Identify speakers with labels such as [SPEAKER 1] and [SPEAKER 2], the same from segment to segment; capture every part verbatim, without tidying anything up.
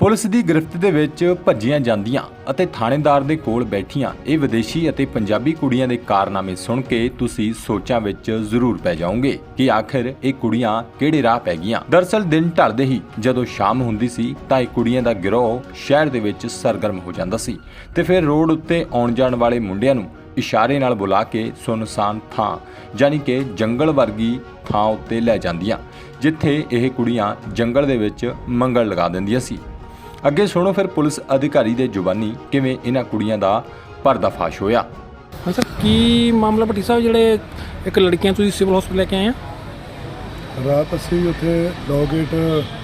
[SPEAKER 1] Police ਦੀ ਗ੍ਰਿਫਤ ਦੇ ਵਿੱਚ ਭੱਜੀਆਂ ਜਾਂਦੀਆਂ ਅਤੇ ਥਾਣੇਦਾਰ ਦੇ ਕੋਲ ਬੈਠੀਆਂ ਇਹ ਵਿਦੇਸ਼ੀ ਅਤੇ ਪੰਜਾਬੀ ਕੁੜੀਆਂ ਦੇ ਕਾਰਨਾਮੇ ਸੁਣ ਕੇ ਤੁਸੀਂ ਸੋਚਾਂ ਵਿੱਚ ਜ਼ਰੂਰ ਪੈ ਜਾਓਗੇ ਕਿ ਆਖਿਰ ਇਹ ਕੁੜੀਆਂ ਕਿਹੜੇ ਰਾਹ ਪੈ ਗਈਆਂ। ਦਰਅਸਲ ਦਿਨ ਢਲਦੇ ਹੀ ਜਦੋਂ ਸ਼ਾਮ ਹੁੰਦੀ ਸੀ ਤਾਂ ਇਹ ਕੁੜੀਆਂ ਦਾ ਗਿਰੋਹ ਸ਼ਹਿਰ ਦੇ ਵਿੱਚ ਸਰਗਰਮ ਹੋ ਜਾਂਦਾ ਸੀ ਤੇ ਫਿਰ ਰੋਡ ਉੱਤੇ ਆਉਣ ਜਾਣ ਵਾਲੇ ਮੁੰਡਿਆਂ ਨੂੰ ਇਸ਼ਾਰੇ ਨਾਲ ਬੁਲਾ ਕੇ ਸੁਨਸਾਨ ਥਾਂ ਯਾਨੀ ਕਿ ਜੰਗਲ ਵਰਗੀ ਥਾਂ ਉੱਤੇ ਲੈ ਜਾਂਦੀਆਂ, ਜਿੱਥੇ ਇਹ ਕੁੜੀਆਂ ਜੰਗਲ ਦੇ ਵਿੱਚ ਮੰਗਲ ਲਗਾ ਦਿੰਦੀਆਂ ਸੀ। ਅੱਗੇ ਸੁਣੋ ਫਿਰ ਪੁਲਿਸ ਅਧਿਕਾਰੀ ਦੇ ਜ਼ੁਬਾਨੀ ਕਿਵੇਂ ਇਹਨਾਂ ਕੁੜੀਆਂ ਦਾ ਪਰਦਾਫਾਸ਼ ਹੋਇਆ।
[SPEAKER 2] ਸਰ ਕੀ ਮਾਮਲਾ ਭੱਟੀ ਸਾਹਿਬ, ਜਿਹੜੇ ਇੱਕ ਲੜਕੀਆਂ ਤੁਸੀਂ ਸਿਵਲ ਹਸਪਤਾਲ ਲੈ ਕੇ ਆਏ ਆ?
[SPEAKER 3] ਰਾਤ ਅਸੀਂ ਉੱਥੇ ਲੋਗੇਟ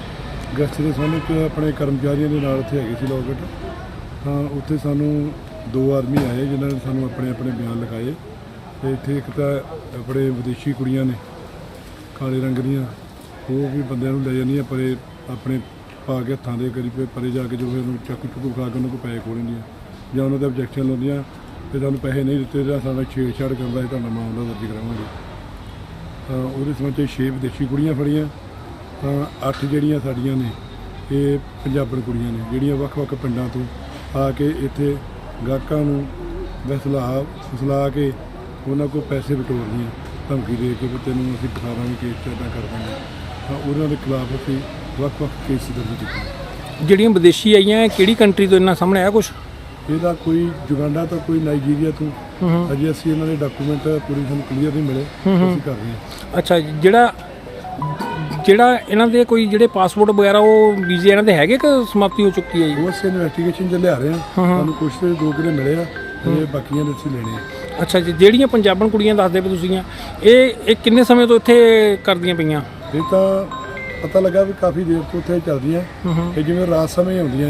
[SPEAKER 3] ਗਸਤ ਦੇ ਸਾਹਮਣੇ ਇੱਕ ਆਪਣੇ ਕਰਮਚਾਰੀਆਂ ਦੇ ਨਾਲ ਉੱਥੇ ਹੈਗੇ ਸੀ ਲੋਗੇਟ, ਤਾਂ ਉੱਥੇ ਸਾਨੂੰ ਦੋ ਆਦਮੀ ਆਏ ਜਿਨ੍ਹਾਂ ਨੇ ਸਾਨੂੰ ਆਪਣੇ ਆਪਣੇ ਬਿਆਨ ਲਿਖਾਏ ਤੇ ਇੱਥੇ ਇੱਕ ਤਾਂ ਆਪਣੇ ਵਿਦੇਸ਼ੀ ਕੁੜੀਆਂ ਨੇ ਕਾਲੇ ਰੰਗ ਦੀਆਂ, ਉਹ ਵੀ ਬੰਦਿਆਂ ਨੂੰ ਲੈ ਜਾਂਦੀਆਂ ਪਰੇ ਆਪਣੇ ਪਾ ਕੇ ਹੱਥਾਂ ਦੇ ਕਰੀ ਪਰੇ ਜਾ ਕੇ ਜੋ ਫਿਰ ਉਹਨੂੰ ਚਾਕੂ ਚੁੱਕੂ ਖਾ ਕੇ ਉਹਨਾਂ ਕੋਲ ਪੈਸੇ ਖੋਹ ਲੈਂਦੀਆਂ ਜਾਂ ਉਹਨਾਂ ਦੇ ਆਬਜੈਕਸ਼ਨ ਲਾਉਂਦੀਆਂ ਤੇ ਤੁਹਾਨੂੰ ਪੈਸੇ ਨਹੀਂ ਦਿੱਤੇ ਜਾਂ ਸਾਡਾ ਛੇੜਛਾੜ ਕਰਦਾ ਤੁਹਾਡਾ ਮਾਮਲਾ ਦਰਜ ਕਰਾਵਾਂਗੇ। ਤਾਂ ਉਹਦੇ ਸੰਬੰਧ 'ਚ ਛੇ ਵਿਦੇਸ਼ੀ ਕੁੜੀਆਂ ਫੜੀਆਂ, ਤਾਂ ਅੱਠ ਜਿਹੜੀਆਂ ਸਾਡੀਆਂ ਨੇ ਇਹ ਪੰਜਾਬਣ ਕੁੜੀਆਂ ਨੇ ਜਿਹੜੀਆਂ ਵੱਖ-ਵੱਖ ਪਿੰਡਾਂ ਤੋਂ ਆ ਕੇ ਇੱਥੇ ਗਾਹਕਾਂ ਨੂੰ ਵਸਲਾ ਫਸਲਾ ਕੇ ਉਹਨਾਂ ਕੋਲ ਪੈਸੇ ਬਟੋਰਦੀਆਂ, ਧਮਕੀ ਦੇ ਕੇ ਵੀ ਤੈਨੂੰ ਅਸੀਂ ਦਿਖਾਵਾਂਗੇ ਕੇਸ ਇੱਦਾਂ ਕਰ ਦਾਂਗੇ। ਤਾਂ ਉਹਨਾਂ ਦੇ ਖਿਲਾਫ ਅਸੀਂ ਵੱਖ-ਵੱਖ ਕੇਸ ਦਰਜ ਕੀਤੇ।
[SPEAKER 2] ਜਿਹੜੀਆਂ ਵਿਦੇਸ਼ੀ ਆਈਆਂ ਕਿਹੜੀ ਕੰਟਰੀ ਤੋਂ ਇਹਨਾਂ ਸਾਹਮਣੇ ਆਇਆ ਕੁਛ?
[SPEAKER 3] ਇਹਦਾ ਕੋਈ ਜੁਗਾਂਡਾ ਤੋਂ ਕੋਈ ਨਾਈਜੀਰੀਆ ਤੋਂ ਅਜੇ ਅਸੀਂ ਇਹਨਾਂ ਦੇ ਡਾਕੂਮੈਂਟ ਪੂਰੀ ਸਾਨੂੰ ਕਲੀਅਰ ਨਹੀਂ ਮਿਲੇ, ਅਸੀਂ ਕਰ ਰਹੇ ਹਾਂ।
[SPEAKER 2] ਅੱਛਾ, ਜਿਹੜਾ ਜਿਹੜਾ ਇਹਨਾਂ ਦੇ ਕੋਈ ਜਿਹੜੇ ਪਾਸਪੋਰਟ ਵਗੈਰਾ ਉਹ ਵੀਜ਼ੇ ਇਹਨਾਂ ਦੇ ਹੈਗੇ ਕਿ ਸਮਾਪਤੀ ਹੋ ਚੁੱਕੀ ਹੈ ਜੀ?
[SPEAKER 3] ਉਹ ਅਸੀਂ ਇਨਵੈਸਟੀਗੇਸ਼ਨ 'ਚ ਲਿਆ ਰਹੇ ਹਾਂ, ਸਾਨੂੰ ਕੁਛ ਤੇ ਦੋ ਕਿਲੇ ਮਿਲੇ ਆ ਤੇ ਬਾਕੀਆਂ ਦੇ ਅਸੀਂ ਲੈਣੇ ਆ।
[SPEAKER 2] ਅੱਛਾ ਜੀ, ਜਿਹੜੀਆਂ ਪੰਜਾਬਣ ਕੁੜੀਆਂ ਦੱਸਦੇ ਪਏ ਤੁਸੀਂ ਆ, ਇਹ ਇਹ ਕਿੰਨੇ ਸਮੇਂ ਤੋਂ ਇੱਥੇ ਕਰਦੀਆਂ ਪਈਆਂ?
[SPEAKER 3] ਇਹ ਤਾਂ ਪਤਾ ਲੱਗਾ ਵੀ ਕਾਫੀ ਦੇਰ ਤੋਂ ਉੱਥੇ ਚੱਲਦੀਆਂ ਤੇ ਜਿਵੇਂ ਰਾਤ ਸਮੇਂ ਆਉਂਦੀਆਂ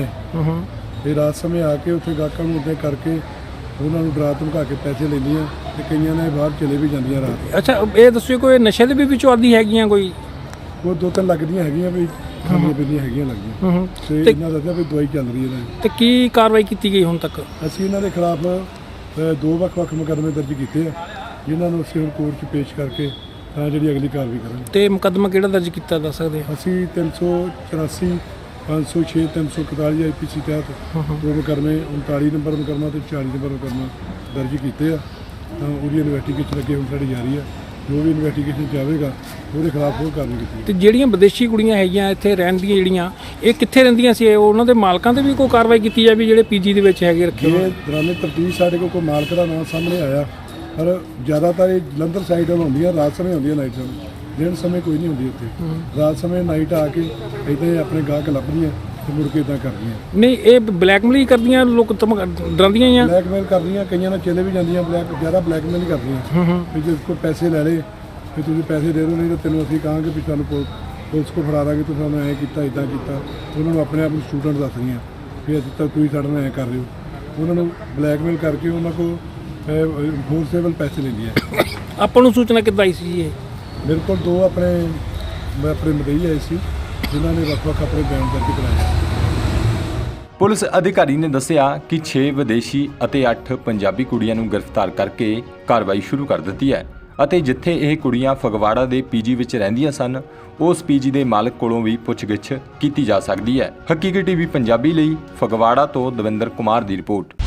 [SPEAKER 3] ਇਹ ਰਾਤ ਸਮੇਂ ਆ ਕੇ ਉੱਥੇ ਗਾਹਕਾਂ ਨੂੰ ਉੱਤੇ ਕਰਕੇ ਉਹਨਾਂ ਨੂੰ ਡਰਾ ਧਮਕਾ ਕੇ ਪੈਸੇ ਲੈਂਦੀਆਂ ਤੇ ਕਈਆਂ ਨੇ ਬਾਹਰ ਚਲੇ ਵੀ ਜਾਂਦੀਆਂ ਰਾਤ।
[SPEAKER 2] ਅੱਛਾ, ਇਹ ਦੱਸਿਓ ਕੋਈ ਨਸ਼ੇ ਦੇ ਵੀ ਵਿੱਚੋਂ ਆਦੀ ਹੈਗੀਆਂ ਕੋਈ?
[SPEAKER 3] ਉਹ ਦੋ ਤਿੰਨ ਲੱਗਦੀਆਂ ਹੈਗੀਆਂ ਵੀ ਖਾਣੀਆਂ ਪੀਣੀਆਂ ਹੈਗੀਆਂ ਲੱਗਦੀਆਂ ਤੇ ਇਹਨਾਂ ਦੱਸਿਆ ਵੀ ਦਵਾਈ ਚੱਲ ਰਹੀ ਹੈ।
[SPEAKER 2] ਤੇ ਕੀ ਕਾਰਵਾਈ ਕੀਤੀ ਗਈ ਹੁਣ ਤੱਕ?
[SPEAKER 3] ਅਸੀਂ ਇਹਨਾਂ ਦੇ ਖਿਲਾਫ ਦੋ ਵੱਖ-ਵੱਖ ਮੁਕੱਦਮੇ ਦਰਜ ਕੀਤੇ ਆ ਜਿਨ੍ਹਾਂ ਨੂੰ ਅਸੀਂ ਹੁਣ ਕੋਰਟ 'ਚ ਪੇਸ਼ ਕਰਕੇ ਤਾਂ ਜਿਹੜੀ ਅਗਲੀ ਕਾਰਵਾਈ ਕਰਾਂਗੇ।
[SPEAKER 2] ਤੇ ਮੁਕੱਦਮਾ ਕਿਹੜਾ ਦਰਜ ਕੀਤਾ ਦੱਸ ਸਕਦੇ?
[SPEAKER 3] ਅਸੀਂ ਤਿੰਨ ਸੌ ਚੁਰਾਸੀ ਪੰਜ ਸੌ ਛੇ ਤਿੰਨ ਸੌ ਇਕਤਾਲੀ ਆਈ ਪੀ ਸੀ ਤਹਿਤ ਦੋ ਮੁਕੱਦਮੇ ਉਨਤਾਲੀ ਨੰਬਰ ਮੁਕੱਦਮਾ ਤੇ ਚਾਲੀ ਨੰਬਰ ਮੁਕੱਦਮਾ ਦਰਜ ਕੀਤੇ ਆ। ਤਾਂ ਉਹਦੀ ਇਨਵੈਸਟੀਗੇਸ਼ਨ ਅੱਗੇ ਹੁਣ ਸਾਡੀ ਜਾਰੀ ਆ, ਜੋ ਵੀ ਇਨਵੈਸਟੀਗੇਸ਼ਨ ਜਾਵੇਗਾ ਉਹਦੇ ਖਿਲਾਫ ਉਹ ਕਾਰਵਾਈ ਕੀਤੀ।
[SPEAKER 2] ਤੇ ਜਿਹੜੀਆਂ ਵਿਦੇਸ਼ੀ ਕੁੜੀਆਂ ਹੈਗੀਆਂ ਇੱਥੇ ਰਹਿਣ ਦੀਆਂ ਜਿਹੜੀਆਂ, ਇਹ ਕਿੱਥੇ ਰਹਿੰਦੀਆਂ ਸੀ? ਉਹਨਾਂ ਦੇ ਮਾਲਕਾਂ ਤੇ ਵੀ ਕੋਈ ਕਾਰਵਾਈ ਕੀਤੀ ਜਾਵੇ ਜਿਹੜੇ ਪੀਜੀ ਦੇ ਵਿੱਚ ਹੈਗੇ ਰੱਖੇ?
[SPEAKER 3] ਇਹ ਦੌਰਾਨੇ ਤਫਤੀਸ਼ ਸਾਡੇ ਕੋਲ ਕੋਈ ਮਾਲਕ ਦਾ ਨਾਮ ਸਾਹਮਣੇ ਆਇਆ, ਪਰ ਜ਼ਿਆਦਾਤਰ ਇਹ ਜਲੰਧਰ ਸਾਈਡ ਵੱਲ ਹੁੰਦੀਆਂ, ਰਾਤ ਸਮੇਂ ਹੁੰਦੀਆਂ, ਨਾਈਟ ਸਮੇਂ, ਦਿਨ ਸਮੇਂ ਕੋਈ ਨਹੀਂ ਹੁੰਦੀ ਉੱਥੇ। ਰਾਤ ਸਮੇਂ ਨਾਈਟ ਆ ਕੇ ਇੱਦਾਂ ਹੀ ਆਪਣੇ ਗਾਹਕ ਲੱਭਦੀਆਂ ਤੇ ਮੁੜ ਕੇ ਇੱਦਾਂ ਕਰਦੀਆਂ।
[SPEAKER 2] ਨਹੀਂ, ਇਹ ਬਲੈਕਮੇਲ ਕਰਦੀਆਂ, ਲੋਕ ਡਰਾਉਂਦੀਆਂ ਹੀ ਆ?
[SPEAKER 3] ਬਲੈਕਮੇਲ ਕਰਦੀਆਂ, ਕਈਆਂ ਨਾਲ ਚਲੇ ਵੀ ਜਾਂਦੀਆਂ, ਬਲੈਕ ਜ਼ਿਆਦਾ ਬਲੈਕਮੇਲ ਹੀ ਕਰਦੀਆਂ ਵੀ ਜੇ ਕੋਈ ਪੈਸੇ ਲੈ ਲਏ ਵੀ ਤੁਸੀਂ ਪੈਸੇ ਦੇ ਦਿਓ, ਨਹੀਂ ਤਾਂ ਤੈਨੂੰ ਅਸੀਂ ਕਹਾਂਗੇ ਵੀ ਸਾਨੂੰ ਪੁਲਿਸ ਕੋਲ ਫੜਾ ਦਾਂਗੇ, ਤੁਸੀਂ ਸਾਨੂੰ ਐਂ ਕੀਤਾ ਇੱਦਾਂ ਕੀਤਾ। ਉਹਨਾਂ ਨੂੰ ਆਪਣੇ ਆਪ ਨੂੰ ਸਟੂਡੈਂਟ ਦੱਸਦੀਆਂ ਵੀ ਅਸੀਂ ਤਾਂ ਤੁਸੀਂ ਸਾਡੇ ਨਾਲ ਐਂ ਕਰ ਰਹੇ ਹੋ। ਉਹਨਾਂ ਨੂੰ ਬਲੈਕਮੇਲ ਕਰਕੇ ਉਹਨਾਂ ਕੋਲ ਫੋਰਸੇਬਲ ਪੈਸੇ ਲੈਂਦੀਆਂ।
[SPEAKER 2] ਆਪਾਂ ਨੂੰ ਸੂਚਨਾ ਕਿੱਦਾਂ ਆਈ ਸੀ? ਇਹ
[SPEAKER 3] ਮੇਰੇ ਕੋਲ ਦੋ ਆਪਣੇ ਆਪਣੇ ਮਦਈ ਆਏ ਸੀ ਜਿਨ੍ਹਾਂ ਨੇ ਵੱਖ-ਵੱਖ ਆਪਣੇ ਬਿਆਨ ਦਰਜ ਕਰਾਏ।
[SPEAKER 1] ਪੁਲਿਸ ਅਧਿਕਾਰੀ ਨੇ ਦੱਸਿਆ ਕਿ ਛੇ ਵਿਦੇਸ਼ੀ ਅਤੇ ਅੱਠ ਪੰਜਾਬੀ ਕੁੜੀਆਂ ਨੂੰ ਗ੍ਰਿਫਤਾਰ ਕਰਕੇ ਕਾਰਵਾਈ ਸ਼ੁਰੂ ਕਰ ਦਿੱਤੀ ਹੈ ਅਤੇ ਜਿੱਥੇ ਇਹ ਕੁੜੀਆਂ ਫਗਵਾੜਾ ਦੇ ਪੀਜੀ ਵਿੱਚ ਰਹਿੰਦੀਆਂ ਸਨ, ਉਸ ਪੀਜੀ ਦੇ ਮਾਲਕ ਕੋਲੋਂ ਵੀ ਪੁੱਛਗਿੱਛ ਕੀਤੀ ਜਾ ਸਕਦੀ ਹੈ। ਹਕੀਕੀ ਟੀਵੀ ਪੰਜਾਬੀ ਲਈ ਫਗਵਾੜਾ ਤੋਂ ਦਵਿੰਦਰ ਕੁਮਾਰ ਦੀ ਰਿਪੋਰਟ।